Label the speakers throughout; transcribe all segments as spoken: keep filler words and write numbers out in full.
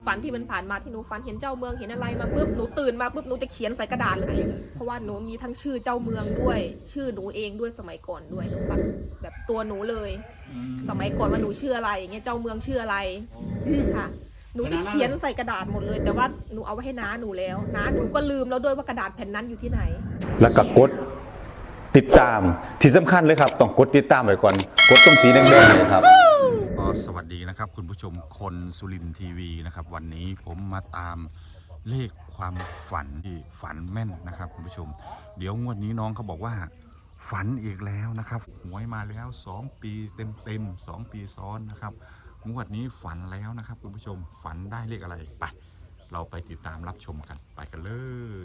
Speaker 1: ฝันที่มันผ่านมาที่หนูฝันเห็นเจ้าเมืองเห็นอะไรมาปุ๊บหนูตื่นมาปุ๊บหนูจะเขียนใส่กระดาษเลยเพราะว่าหนูมีทั้งชื่อเจ้าเมืองด้วยชื่อหนูเองด้วยสมัยก่อนด้วยหนูฝันแบบตัวหนูเลยสมัยก่อนว่าหนูชื่ออะไรอย่างเงี้ยเจ้าเมืองชื่ออะไรค่ะหนูจะเขียนใส่กระดาษหมดเลยแต่ว่าหนูเอาไว้ให้น้าหนูแล้วน้าหนูก็ลืมแล้วด้วยว่ากระดาษแผ่นนั้นอยู่ที่ไหน
Speaker 2: แล้วก็กดติดตามที่สำคัญเลยครับต้องกดติดตามไว้ก่อนกดตรงสีแดงๆเลยครับ
Speaker 3: ก็สวัสดีนะครับคุณผู้ชมคนสุรินทร์ทีวีนะครับวันนี้ผมมาตามเลขความฝันที่ฝันแม่นนะครับคุณผู้ชมเดี๋ยวงวดนี้น้องเขาบอกว่าฝันอีกแล้วนะครับหวยมาแล้วสองปีเต็มๆสองปีซ้อนนะครับงวดนี้ฝันแล้วนะครับคุณผู้ชมฝันได้เลขอะไรไปเราไปติดตามรับชมกันไปกันเลย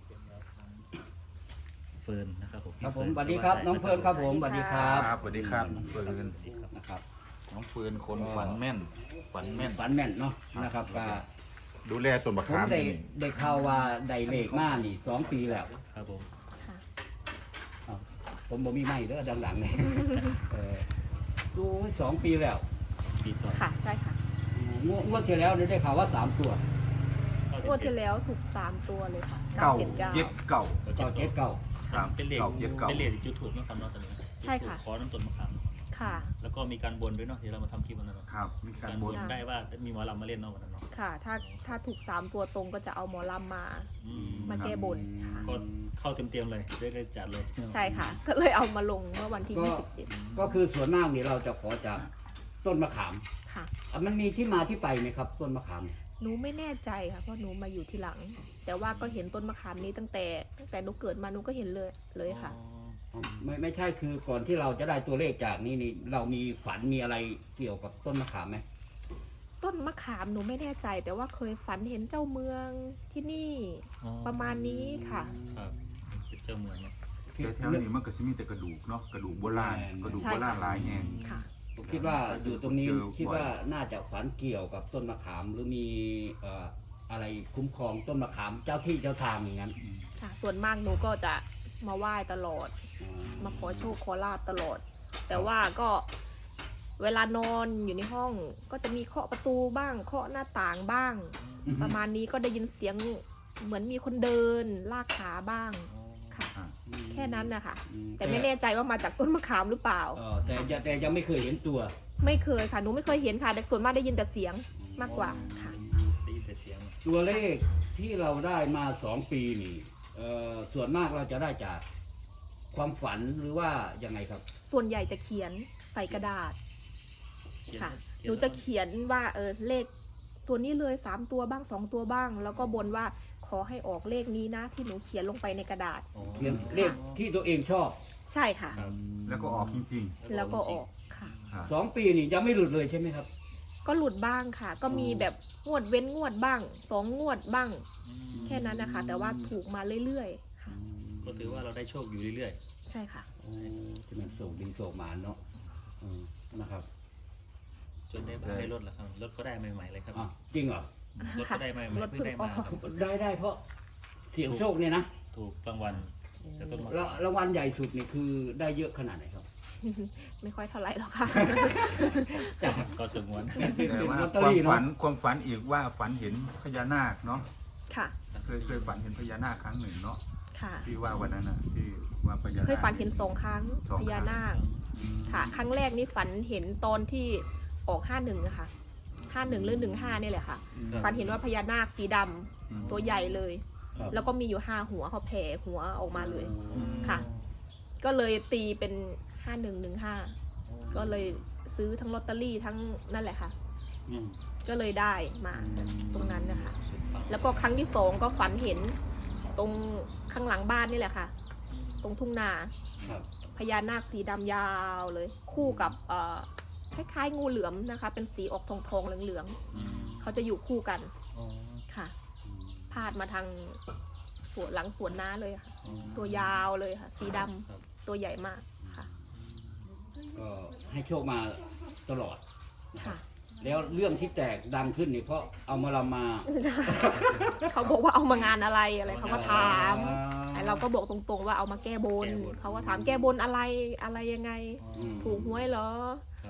Speaker 4: เฟิร์นนะครับผม
Speaker 5: ครับผมสวัสดีครับน้องเฟิร์นครับผมสวัสดีครับ
Speaker 3: สวัสดีครับน้องเฟิร์น
Speaker 5: นะครับ
Speaker 3: น้องเฟิร์นคนฝันแม่นฝันแม่น
Speaker 5: ฝันแม่นเนาะนะครับก็
Speaker 3: ดูแลต้นมะ
Speaker 5: ผม
Speaker 3: ขาม
Speaker 5: ได้
Speaker 3: นี่
Speaker 5: ได้ข่าวว่าได้เลขมานี่สองปีแล้ว
Speaker 4: ครับผม
Speaker 5: อ้าวผมบ่มีไม้เด้อดังๆเลยเออดูสองปีแล้ว
Speaker 4: ปีสอง
Speaker 1: ค่ะใช่ค่ะ
Speaker 5: อืมงวดงวดที่แล้วได้ข่าวว่าสามตัว
Speaker 1: งวดที่แล้วถูกสามตัวเลยค่ะ
Speaker 3: เก่า
Speaker 1: เจ็ดเก้า
Speaker 3: เย็ดเก่า
Speaker 5: เก้าเจ็ดเก้า
Speaker 3: ครับ
Speaker 4: เป็นเลข
Speaker 3: เก่าเย็ดเก่า
Speaker 4: เป็นเลขจุดถูกนะครับเนาะตอนนี้
Speaker 1: ใช่ค่ะ
Speaker 4: ขอน้ำต้นมะขาม
Speaker 1: ค่ะ
Speaker 4: แล้วก็มีการบนด้วยเนาะที่เรามาทำคลิปวันนั้นเนาะ
Speaker 3: ครับมีการบน
Speaker 4: ได้ว่ามีหมอลำมาเล่นเนาะวันนั้นเนาะ
Speaker 1: ค่ะถ้าถ้าถูกสามตัวตรงก็จะเอาหมอลำมา
Speaker 4: อืม
Speaker 1: มาแก้บนค่ะ
Speaker 4: ก็เข้าเต็มๆเลยได้ได้จัดเลย
Speaker 1: ใช่ค่ะ ก็เลยเอามาลงเมื่อวันที่
Speaker 5: ก็
Speaker 1: ยี่สิบเจ็ด
Speaker 5: ก็คือส่วนมากนี่เราจะขอจากต้นมะขาม
Speaker 1: ค่ะ
Speaker 5: อ่ะมันมีที่มาที่ไปไหมครับ ต้นมะขาม
Speaker 1: หนูไม่แน่ใจค่ะเพราะหนูมาอยู่ทีหลัง แต่ว่าก็เห็นต้นมะขามนี้ตั้งแต่ตั้งแต่หนูเกิดมาหนูก็เห็นเลยเลยค่ะ
Speaker 4: อ๋อ
Speaker 5: ไม่ไม่ใช่คือก่อนที่เราจะได้ตัวเลขจากนี่นี่เรามีฝันมีอะไรเกี่ยวกับต้นมะขามไหม
Speaker 1: ต้นมะขามหนูไม่แน่ใจ แต่ว่าเคยฝันเห็นเจ้าเมืองที่นี่
Speaker 4: อ๋อ
Speaker 1: ประมาณนี้ค่ะ
Speaker 4: ครับเป็นเจ้าเมืองเนาะ
Speaker 3: แต่แถวนี้มันก็สิมีแต่กระดูกเนาะกระดูกโบราณกระดูก
Speaker 1: ใช่
Speaker 3: โบราณหลายแห่ง
Speaker 1: ค่ะ
Speaker 5: ผมคิดว่าอยู่ตรงนี้
Speaker 3: เจอบ่อย
Speaker 5: คิดว่าน่าจะฝันเกี่ยวกับต้นมะขามหรือมีเอ่ออะไรคุ้มครองต้นมะขามเจ้าที่เจ้าทางอย่างนั้น
Speaker 1: ค่ะ ส่วนมากหนูก็จะมาไหว้ตลอด
Speaker 5: อ๋อ
Speaker 1: มาขอโชคขอลาบตลอด แต่ว่าก็เวลานอนอยู่ในห้องก็จะมีเคาะประตูบ้างเคาะหน้าต่างบ้าง ประมาณนี้ก็ได้ยินเสียงเหมือนมีคนเดินลากขาบ้าง
Speaker 4: อ๋อ
Speaker 1: ค่ะ
Speaker 3: อ่ะ
Speaker 1: แค่นั้นนะคะ
Speaker 5: อืม
Speaker 1: แต่ไม่แน่ใจว่ามาจากต้นมะขามหรือเปล่า
Speaker 5: เออแต่จะแต่ยังไม่เคยเห็นตัว
Speaker 1: ไม่เคยค่ะหนูไม่เคยเห็นค่ะแต่ส่วนมากได้ยินแต่เสียงมากกว่าค่ะ
Speaker 4: ได้ยินแต่เสียง
Speaker 5: ตัวเลขที่เราได้มาสองปีนี่เอ่อส่วนมากเราจะได้จากความฝันหรือว่ายังไงครับ
Speaker 1: ส่วนใหญ่จะเขียนใส่กระดาษ
Speaker 4: เขียน
Speaker 1: ค่ะ
Speaker 4: เขีย
Speaker 1: หนูจะเขียนว่าเออเลขตัวนี้เลยสามตัวบ้างสองตัวบ้าง แล้วก็บนว่าขอให้ออกเลขนี้นะที่หนูเขียนลงไปในกระดาษ
Speaker 4: อ๋อ
Speaker 5: เขียนเลขที่ตัวเองชอบ
Speaker 1: ใช่ค่ะ
Speaker 4: ครับ
Speaker 3: แล้วก็ออกจริง
Speaker 1: แล้วก็ออกค่ะ
Speaker 3: ๆครับ
Speaker 5: สองปีนี่ยังไม่หลุดเลยใช่ไหมครับ
Speaker 1: ก็หลุดบ้างค่ะ ก็มีแบบงวดเว้นงวดบ้างสองงวดบ้าง
Speaker 4: อืม
Speaker 1: แค่นั้นนะคะ แต่ว่าถูกมาเรื่อยๆค่ะ
Speaker 4: ก็ถือว่าเราได้โชคอยู่เรื่อย
Speaker 1: ใช่ค่ะ
Speaker 5: โอ้ที่มันส่งดีส่งมาเนาะอืมนะครับ
Speaker 4: ๆ จนได้บ้านได้รถแล้วครับรถก็ได้ใหม่ๆเลยครับ
Speaker 5: อ่ะจริงเหรอ
Speaker 4: รถก็ได้ใหม่ๆ
Speaker 1: รถ
Speaker 4: เพิ่งได้มา
Speaker 1: เพิ่งออก
Speaker 4: ครับ
Speaker 5: ได้ได้เพราะเสียงโชคเนี่ยนะ
Speaker 4: ถูกรางวัลจากต้นมะ
Speaker 5: แล้ว
Speaker 4: ขาม
Speaker 5: รางวัลใหญ่สุดนี่คือได้เยอะขนาดไหนครับ
Speaker 1: ไม่ค่อยเท่าไหร่หรอกค่ะ
Speaker 5: จาก
Speaker 4: ก็สงวน
Speaker 3: แต่ว่า
Speaker 5: ลอตเตอ
Speaker 3: ความ
Speaker 5: รี่
Speaker 3: ฝั
Speaker 5: เนาะ
Speaker 3: นความฝันอีกว่าฝันเห็นพญานาคเนาะ
Speaker 1: ค่ะ
Speaker 3: เคยเคยฝันเห็นพญานาคครั้งหนึ่งเนาะ
Speaker 1: ค่ะ
Speaker 3: ที่ว่าวันนั้นน่ะที่ว่าพญานาค
Speaker 1: เคยฝันเห็นสองครั้ง
Speaker 3: สอง
Speaker 1: พ
Speaker 3: ครั้ง
Speaker 1: ญานาค ค่ะ ครั้งแรกนี่ฝันเห็นตอนที่ออกห้าหนึ่งอะค่ะห้าหนึ่งหรือหนึ่งห้านี่แหละค่ะ
Speaker 4: ครับ
Speaker 1: ฝันเห็นว่าพญานาคสีดำ
Speaker 3: อืม
Speaker 1: ตัวใหญ่เลย
Speaker 5: ครับ
Speaker 1: แล้วก็มีอยู่ห้าหัวเขาแผ่หัวออกมาเลย
Speaker 4: อืม
Speaker 1: ค่ะ ก็เลยตีเป็นห้าหนึ่งหนึ่งห้าก็เลยซื้อทั้งลอตเตอรี่ทั้งนั่นแหละค่ะ
Speaker 5: อืม
Speaker 1: ก็เลยได้มา
Speaker 5: อืม
Speaker 1: ตรงนั้นนะคะ แล้วก็ครั้งที่สองก็ฝันเห็นตรงข้างหลังบ้านนี่แหละค่ะ ตรงทุ่งนา
Speaker 5: ครับ
Speaker 1: พญานาคสีดำยาวเลย คู่กับเอ่อคล้ายๆงูเหลือมนะคะ เป็นสีออกทองทองๆเหลือง
Speaker 4: อืม
Speaker 1: ๆเขาจะอยู่คู่กัน
Speaker 4: อ๋อ
Speaker 1: ค่ะ
Speaker 5: อืม
Speaker 1: พาดมาทางสวนหลังสวนน้าเลยค่ะ
Speaker 4: อ๋อ
Speaker 1: ตัวยาวเลยค่ะ สีดำ
Speaker 4: ครับ
Speaker 1: ตัวใหญ่มากค่ะ
Speaker 5: ก็ให้โชคมาตลอด
Speaker 1: ค่ะ
Speaker 5: แล้วเรื่องที่แตกดังขึ้นนี่เพราะเอามาลำมา
Speaker 1: เขาบอกว่าเอามางานอะไรอะไรเขาก็ถาม
Speaker 5: อ่
Speaker 1: แต่เราก็บอกตรงๆว่าเอามาแก้บน เขาก็ถามแก้บนอะไรอะไรยังไง
Speaker 4: อ๋อ
Speaker 5: อืม
Speaker 1: ถูกหวยเหรอ
Speaker 4: ครับ
Speaker 5: อืม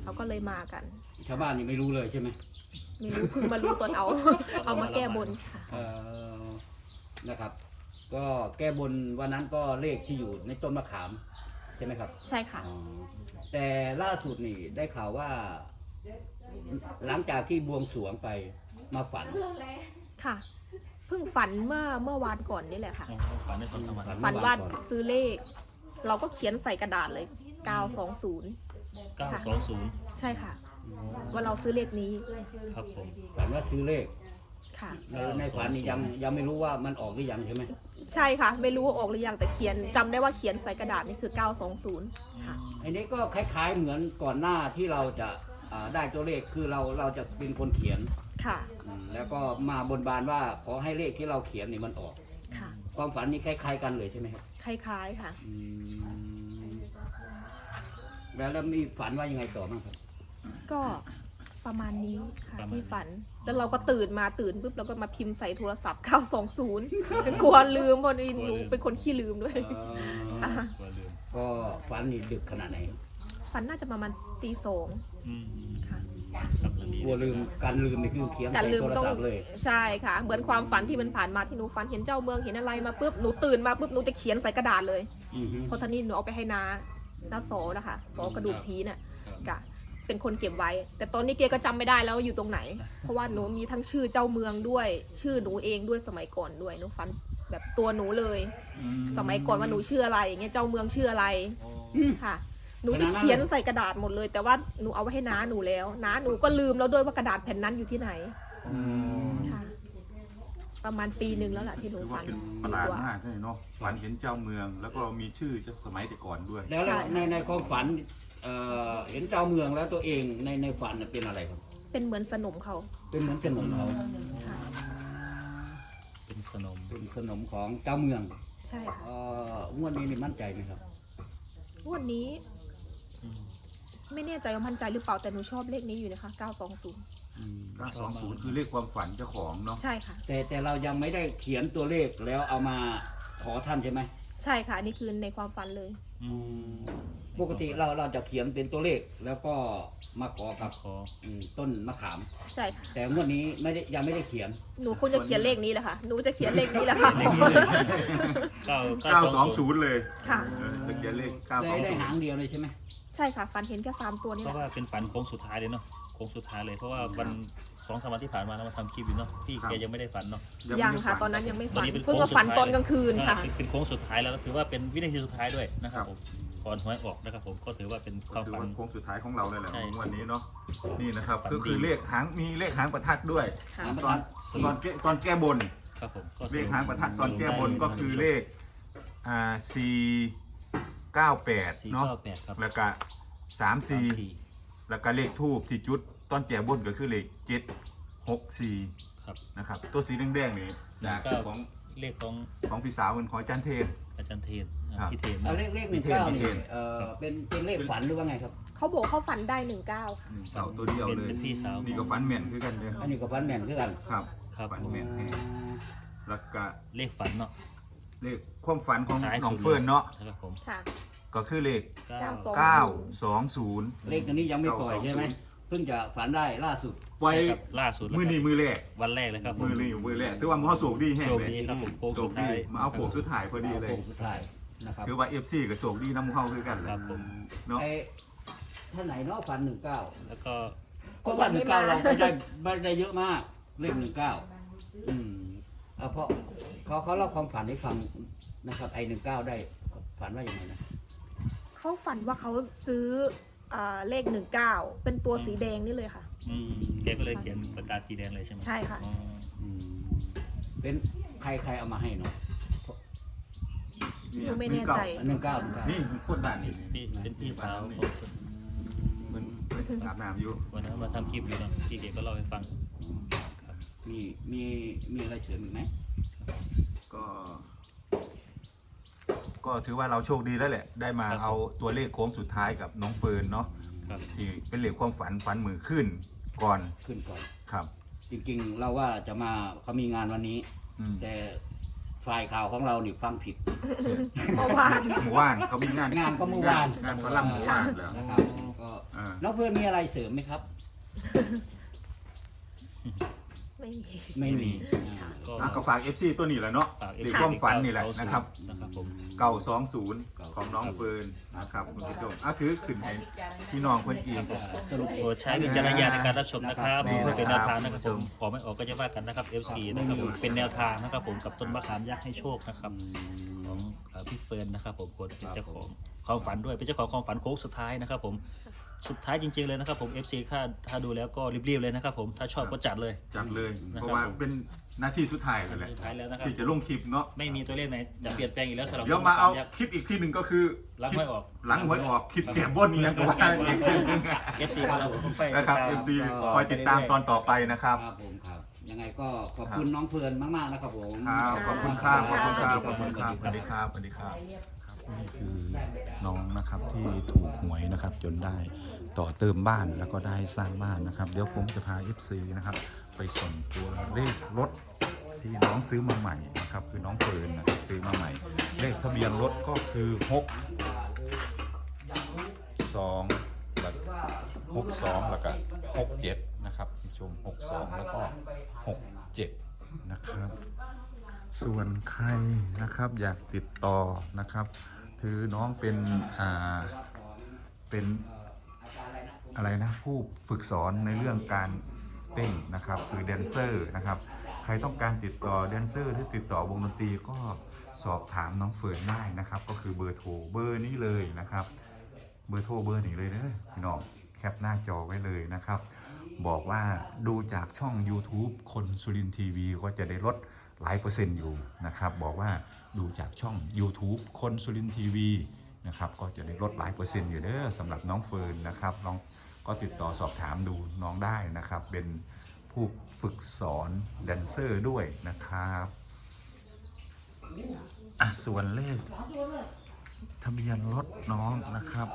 Speaker 1: เขาก็เลยมากัน
Speaker 5: ชาวบ้านนี่ไม่รู้เลยใช่ไหม
Speaker 1: ไม่รู้เพิ่งมารู้ตอนเอา เอามาแก้บนค่ะ
Speaker 5: เอ่อนะครับ ก็แก้บนวันนั้นก็เลขที่อยู่ในต้นมะขามใช่ไหมครับ
Speaker 1: ใช่ค่ะ
Speaker 5: อ๋อแต่ล่าสุดนี่ได้ข่าวว่า หลังจากที่บวงสรวงไปมาฝัน
Speaker 1: ค่ะ เพิ่งฝันเมื่อเมื่อวานก่อนนี่แหละค่ะ
Speaker 4: อ๋อฝันในตอนกลางวัน
Speaker 1: ฝันว่าซื้อเลข เราก็เขียนใส่กระดาษเลยเก้าสองศูนย์
Speaker 4: เก้าสองศูนย์
Speaker 1: ใช่ค่ะ ว่าเราซื้อเลขนี้
Speaker 4: ครับผม
Speaker 5: ฝันว่าซื้อเลข
Speaker 1: ค่ะ
Speaker 5: ในในฝันนี่ยังยังไม่รู้ว่ามันออกหรือยังใช่ไหม
Speaker 1: ใช่ค่ะ ไม่รู้ว่าออกหรือยังแต่เขียนจำได้ว่าเขียนใส่กระดาษนี่คือเก้าสองศูนย์ค่ะ
Speaker 5: อันนี้ก็คล้ายๆเหมือนก่อนหน้าที่เราจะอ่าได้ตัวเลขคือเราเราจะเป็นคนเขียน
Speaker 1: ค่ะ
Speaker 5: อืมแล้วก็มาบนบานว่าขอให้เลขที่เราเขียนนี่มันออก
Speaker 1: ค่ะ
Speaker 5: ความฝันนี้คล้ายๆกันเลยใช่ไหมครับ
Speaker 1: คล้ายๆค่ะ
Speaker 5: อืมแล้วแล้วมีฝันว่ายังไงต่อบ้างครับ
Speaker 1: ก็ประมาณนี้ค่ะที่ฝัน แล้วเราก็ตื่นมาตื่นปุ๊บเราก็มาพิมพ์ใส่โทรศัพท์เก้าสองศูนย์กลัวลืมเพราะหนูเป็นคนขี้ลืมด้วย
Speaker 5: เอ่อ
Speaker 1: ค่ะ
Speaker 4: กลัวลืม
Speaker 5: ก็ฝันนี่ดึกขนาดไหน
Speaker 1: ฝันน่าจะประมาณตีสอง
Speaker 4: อืม
Speaker 1: ค่ะ
Speaker 4: กำลังดี
Speaker 5: กลัวลืมการลืมนี่คือเขียน
Speaker 1: การ
Speaker 5: ใส่
Speaker 1: ลืม
Speaker 5: โทร
Speaker 1: ต้อง
Speaker 5: ศัพท์เลย
Speaker 1: ใช่ค่ะ เหมือนความฝันที่มันผ่านมาที่หนูฝันเห็นเจ้าเมืองเห็นอะไรมาปุ๊บหนูตื่นมาปุ๊บหนูจะเขียนใส่กระดาษเลย
Speaker 5: อือฮึ
Speaker 1: เพราะท่านี้หนูเอาไปให้น้าน้าโสนะคะโสกระดูกผีเนี่ยกะเป็นคนเก็บไว้ แต่ตอนนี้เกก็จำไม่ได้แล้วว่าอยู่ตรงไหน เพราะว่าหนูมีทั้งชื่อเจ้าเมืองด้วย ชื่อหนูเองด้วยสมัยก่อนด้วยหนูฝันแบบตัวหนูเลย สมัยก่อนว่าหนูชื่ออะไรอย่างเงี้ยเจ้าเมืองชื่ออะไร
Speaker 4: อ๋อ
Speaker 1: ค่ะ หนูจะเขียนใส่กระดาษหมดเลย แต่ว่าหนูเอาไว้ให้น้าหนูแล้วน้าหนูก็ลืมแล้วด้วยว่ากระดาษแผ่นนั้นอยู่ที่ไหนค่ะ ประมาณปีหนึ่งแล้วแหละที่หนู
Speaker 3: ถือ
Speaker 1: ฝั
Speaker 3: ว่าน เป็นประหลาดมากเลยเนาะฝันเห็นเจ้าเมือง แล้วก็มีชื่อจากสมัยแต่ก่อนด้วย
Speaker 5: แล้วแล้วในในความฝันเอ่อเห็นเจ้าเมืองแล้วตัวเองในในฝันน่ะเป็นอะไรครับ
Speaker 1: เป็นเหมือนสนมเขา
Speaker 5: เป็นเหมือนสนมเขา
Speaker 1: ค่ะ
Speaker 4: เป็นสนม
Speaker 5: เป็นสนมของเจ้าเมือง
Speaker 1: ใช่ค่ะ
Speaker 5: เอ่องวดนี้นี่มั่นใจไหมครับ
Speaker 1: วันนี้
Speaker 4: อืม
Speaker 1: ไม่แน่ใจว่ามั่นใจหรือเปล่าแต่หนูชอบเลขนี้อยู่นะคะเก้าสองศูนย์
Speaker 5: อืม
Speaker 3: เก้าสองศูนย์คือเลขความฝันเจ้าของเนาะ
Speaker 1: ใช่ค่ะ
Speaker 5: แต่แต่เรายังไม่ได้เขียนตัวเลขแล้วเอามาขอท่านใช่ไหม
Speaker 1: ใช่ค่ะอันนี่คือในความฝันเลย
Speaker 4: อืม
Speaker 5: ปกติเราเราจะเขียนเป็นตัวเลขแล้วก็มาขอกับ
Speaker 4: ขอ
Speaker 5: อืมต้นมะขาม
Speaker 1: ใช่ค่ะ
Speaker 5: แต่งวดนี้ไม่ได้ยังไม่ได้เขียน
Speaker 1: หนูคงจะเขียนเลขนี้แหละค่ะหนูจะเขียนเลขนี้แหละค่ะ
Speaker 4: เก้า
Speaker 3: เก้าสองศูนย์เลย
Speaker 1: ค่ะ
Speaker 3: เออจะเขียนเลขเก้าส
Speaker 5: ได้
Speaker 3: อง
Speaker 5: ได้
Speaker 3: ศูน
Speaker 5: หาง
Speaker 3: ย์
Speaker 5: เดียวเลยใช่ไหม
Speaker 1: ใช่ค่ะฝันเห็นแค่สามตัวนี่
Speaker 4: เพ
Speaker 1: แห
Speaker 4: ราะ
Speaker 1: ละ
Speaker 4: ว่าเป็นฝันโค้งสุดท้ายเลยเนาะโค้งสุดท้ายเลยเพราะว่าวันสองสามวันที่ผ่านมาเรามาทำคลิปอยู่เนาะพี่แกยังไม่ได้ฝันเนาะ
Speaker 1: ยัง
Speaker 3: ไม่ได้
Speaker 1: ค่ะ
Speaker 3: ฝั
Speaker 1: ตอนนั้นยังไม่
Speaker 4: วั
Speaker 1: ฝัน
Speaker 4: นี้เป็น
Speaker 1: เพิ่ง
Speaker 4: โค้
Speaker 1: มาฝันตอนกลางคืนค่ะ
Speaker 4: อ่าเป็นเป็นโค้งสุดท้ายแล้วก็ถือว่าเป็นวินาทีสุดท้ายด้วยนะครับผมก่อนหวยออกนะครับผมก็ถือว่าเป็นค
Speaker 3: ก็
Speaker 4: วาม
Speaker 3: ถือ
Speaker 4: ฝัน
Speaker 3: ว่าโค้งสุดท้ายของเราเลยแหละ
Speaker 4: ใช่
Speaker 3: ของวันนี้เนาะนี่นะครับ
Speaker 4: ฝัน
Speaker 3: ก็คือ
Speaker 4: ดี
Speaker 3: เลขหางมีเลขหางประทัดด้วย
Speaker 1: ค่ะ
Speaker 3: ตอนตอนแก้ตอนแก้บน
Speaker 4: ครับผมก็
Speaker 3: เลขหางประทัดตอนแก้บนก็คือเลขอ่าสี่เก้าแปด
Speaker 4: สี่
Speaker 3: เนาะ
Speaker 4: เก้าแปดครับ
Speaker 3: แล้วก็สามสี่
Speaker 4: สามสี่
Speaker 3: แล้วก็เลขทูบที่จุดตอนแก้บนก็คือเลขเจ็ดหกสี่
Speaker 4: ครับ
Speaker 3: นะครับตัวสีแดงๆนี่จาก
Speaker 4: ก็
Speaker 3: ของ
Speaker 4: เลขของ
Speaker 3: ของพี่สาวเป็นของอาจารย์เทน
Speaker 4: อาจารย์เทนอ่า
Speaker 3: ครับ
Speaker 4: พี่เทน
Speaker 5: เอา
Speaker 4: นะ
Speaker 5: เลขเลขห
Speaker 3: มี
Speaker 5: นึ่ง
Speaker 3: เทน
Speaker 5: เก้า
Speaker 3: มีเท
Speaker 5: นี่
Speaker 3: น
Speaker 5: เอ่อเป็นเป็นเลขฝันหรือว่าไงครับ
Speaker 1: เขาบอกเขาฝันได้หนึ่งเก้าค่ะ
Speaker 3: หนึ่งเสาตัวเดียวเลย
Speaker 4: เป็นพี่สาว
Speaker 3: นี่ก็ฟันแม่นคือกันเลย
Speaker 5: อันนี้ก็ฝันแม่นคือกัน
Speaker 3: ครับ
Speaker 4: ครับ
Speaker 3: ฟันแม่นแฮงแล้วก็
Speaker 4: เลขฝันเนาะ
Speaker 3: เลขความฝันของ
Speaker 4: ท้าย
Speaker 3: น้อง
Speaker 4: สุด
Speaker 3: เฟิร์นเนาะ
Speaker 4: นะครับผม
Speaker 1: ค่ะ
Speaker 3: ก็คือเลข
Speaker 4: เก้า
Speaker 1: เก้าสอง
Speaker 3: เก้าสองศูนย์
Speaker 5: เลขตัวนี้ยังไม่ปล่อยใช่ไหม
Speaker 3: เก้าสองศูนย์
Speaker 5: เพิ่งจะฝันได้ล่าสุด
Speaker 3: ไว้
Speaker 4: ครับล่าสุดแล้ว
Speaker 3: มือนี้
Speaker 4: ครับ
Speaker 3: มือแรก
Speaker 4: วันแรกเลยครับผม
Speaker 3: มือนี้มือแรกถือว่ามือเขาโศกดีแห้ง
Speaker 4: โชค
Speaker 3: เลย
Speaker 4: ดีครับผมโค้ง
Speaker 3: โศ
Speaker 4: สุ
Speaker 3: ก
Speaker 4: ด
Speaker 3: ดี
Speaker 4: ท้าย
Speaker 3: มาเอาโขกสุดท้ายพอดีเลย
Speaker 5: โค้งสุดท้ายนะครับ
Speaker 3: ถือว่าเอฟซีกับโศกดีน้ำมือเขาคือกันเลย
Speaker 4: ครับผม
Speaker 3: เนาะ
Speaker 5: ไอ้ท่านไหนเนาะฝันหนึ่งเก้า
Speaker 4: แล้วก็
Speaker 5: ก็ฝันหนึ่งเก้าเราไม่ได้ไม่ได้เยอะมากเลขหนึ่งเก้าอืมเอาเพราะเขาเขาเล่าความฝันให้ฟังนะครับไอ้หนึ่งเก้าได้ฝันว่าอย่างไรนะ
Speaker 1: เขาฝันว่าเขาซื้ออ่าเลขหนึ่งเก้าเป็นตัวสีแดงนี่เลยค่ะ
Speaker 4: อืมแกก็เลยเขียนปากกาสีแดงเลยใช่ไหม
Speaker 1: ใช่ค่ะ
Speaker 4: อ๋อ
Speaker 5: อืมเป็นใครใครเอามาให้เนาะ
Speaker 1: หนูไม่แน่ใจ
Speaker 5: หนึ่งเก้าหนึ่งเก้า
Speaker 3: นี่คนบ้านนี่
Speaker 4: พี่เป็นพี่สาวของ
Speaker 3: มันอาบน้ำอยู่
Speaker 4: วันนั้นมาทำคลิปอยู่เนาะพี่เกก็เล่าให้ฟังครับ
Speaker 5: มีมีมีอะไรเสริมอีกไหม
Speaker 3: ก็ ก็ถือว่าเราโชคดีแล้วแหละ ได้มาเอาตัวเลขโค้งสุดท้ายกับน้องเฟิร์นเนาะ
Speaker 4: ครับ
Speaker 3: ที่เป็นเลขความฝันฝันมือขึ้นก่อน
Speaker 5: ขึ้นก่อน
Speaker 3: ครับ
Speaker 5: จริงๆ เราว่าจะมาเขามีงานวันนี้
Speaker 3: อืม
Speaker 5: แต่ฝ่ายข่าวของเรานี่ฟังผิด
Speaker 1: เมื่อวาน
Speaker 3: หมู่บ้านเขามีงาน
Speaker 5: งานก็เมื่อวาน
Speaker 3: งานฝรั่งหมู่บ้านแล้ว
Speaker 5: นะครับก็
Speaker 3: อ่า
Speaker 5: น้องเพื่อนมีอะไรเสริมไหมครับ
Speaker 1: ไม่มี
Speaker 5: ไม่มี
Speaker 4: ก็
Speaker 3: อ่ะก็ฝาก เอฟ ซี ตัวนี้แหละเนาะ
Speaker 4: ฝาก
Speaker 3: เด็กความฝันนี่แหละนะครับ
Speaker 4: นะครับผม
Speaker 3: เก้าสองศูนย์ของน้องเฟิร์นนะครับคุณผู้ชมอ่ะถือขึ้นให้พี่น้องเพื่อนอีก
Speaker 5: สรุป
Speaker 4: โปรดใช้วิจารณญาณในการรับชมนะครับ
Speaker 3: นี่
Speaker 4: เพื่อเป็นแนวทาง
Speaker 3: นะ
Speaker 4: นะ
Speaker 3: ค
Speaker 4: ค
Speaker 3: รั
Speaker 4: รับ บผมขอไม่ออกก็จะว่ากันนะครับ เอฟ ซี นะครับผมเป็นแนวทางนะครับผมกับต้นมะขามยักษ์ให้โชคนะครับของเอ่อพี่เฟิร์นนะครับผมคนเป็นเจ้าของความฝันด้วยเป็นเจ้าของความฝันโค้งสุดท้ายนะครับผมสุดท้ายจริงๆเลยนะครับผม เอฟ ซี ถ้าถ้าดูแล้วก็รีบๆเลยนะครับผมถ้าชอบก็จัดเลย
Speaker 3: จัดเลย
Speaker 4: นะครับ
Speaker 3: เพราะว่าเป็นหน้าที่สุดท้ายเลยแหละ
Speaker 4: สุดท้ายแล้วนะครับ
Speaker 3: ที่จะลงคลิปเนาะ
Speaker 4: ไม่มีตัวเลขไหนจะเปลี่ยนแปลงอีกแล้วสำหรับ
Speaker 3: เดี๋ยวมาเอา
Speaker 4: ยักษ์
Speaker 3: คลิปอีกที่หนึ่งก็คือ
Speaker 4: หลังหวยออก
Speaker 3: หลังหวยออกคลิปแก้บนนี่นะก็ว่าอีกทีหนึง
Speaker 4: เอฟ ซี ของเราผมไป
Speaker 3: นะครับ เอฟ ซี คอยติดตามตอนต่อไปนะครับ
Speaker 5: ครับผมครับ ยังไงก็ขอบคุณน้องเพื่อนมากๆนะครับผม
Speaker 3: ครับขอบคุณครับขอบคุณครับขอบคุณครับสวัสดีครับสวัสดีครับครับนี่คือน้องนะครับที่ถูกหวยนะครับจนได้ต่อเติมบ้านแล้วก็ได้สร้างบ้านนะครับ เดี๋ยวผมจะพา เอฟ ซี นะครับไปส่งตัวเลขรถที่น้องซื้อมาใหม่นะครับคือน้องเฟิร์นนะครับซื้อมาใหม่ เลขทะเบียนรถก็คือหกสองแล้วหกสองแล้วก็หกเจ็ดนะครับชมหกสองแล้วก็หกเจ็ดนะครับ ส่วนใครนะครับอยากติดต่อนะครับถือน้องเป็นอ่าเป็นอะไรนะผู้ฝึกสอนในเรื่องการเต้นนะครับคือแดนเซอร์นะครับใครต้องการติดต่อแดนเซอร์หรือติดต่อวงดนตรีก็สอบถามน้องเฟิร์นได้นะครับก็คือเบอร์โทรเบอร์นี้เลยนะครับเบอร์โทรเบอร์นี้เลยเด้อพี่น้องแคปหน้าจอไว้เลยนะครับบอกว่าดูจากช่อง YouTube คนสุรินทร์ทีวีก็จะได้ลดหลายเปอร์เซ็นต์อยู่นะครับบอกว่าดูจากช่อง YouTube คนสุรินทร์ทีวีนะครับก็จะได้ลดหลายเปอร์เซ็นต์อยู่เด้อสำหรับน้องเฟิร์นนะครับน้องก็ติดต่อสอบถามดูน้องได้นะครับเป็นผู้ฝึกสอนแดนเซอร์ด้วยนะครับอ่ะส่วนเลขทะเบียนรถน้องนะครับ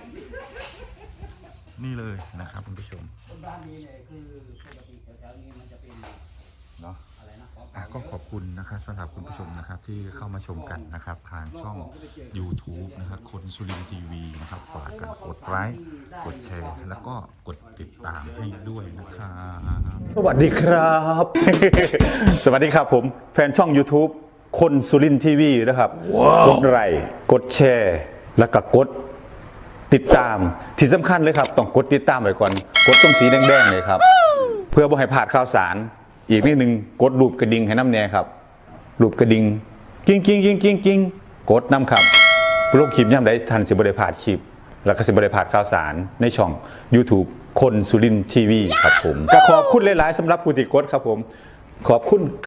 Speaker 3: นี่เลยนะครับคุณผู้ชม
Speaker 5: บ้านนี้เนี่ยคือปกติแถวๆนี้มันจะเป็น
Speaker 3: เนาะ
Speaker 5: อะไรนะ
Speaker 3: อ่ะก็ขอบคุณนะครับสำหรับคุณผู้ชมนะครับที่เข้ามาชมกันนะครับทางช่อง YouTube นะครับคนสุรินทร์ทีวีนะครับฝากกันกดไลค์กดแชร์ แล้วก็กดติดตามให้ด้วยนะครับ
Speaker 2: สวัสดีครับ สวัสดีครับผมแฟนช่อง YouTube คนสุรินทร์ทีวีนะครับกดไลค์กดแชร์ แล้วก็กดติดตามที่สำคัญเลยครับต้องกดติดตามไว้ก่อนกดตรงสีแดงๆเลยครับเพื่อบ่ให้พลาดข่าวสารอีกนิดนึงกดรูปกระดิ่งให้น้ำแน่ครับรูปกระดิ่งกิ้งกิ้งกิ้งกิ้งกิ้งกดน้ำครับโลกคลิปย่ำได้ทันสิบริพลาดคลิป แล้วก็สิบริพลาดข่าวสารในช่อง YouTube คนสุรินทร์ทีวีครับผมก็ขอบคุณหลายๆสำหรับผู้ติดกดครับผมขอบคุณ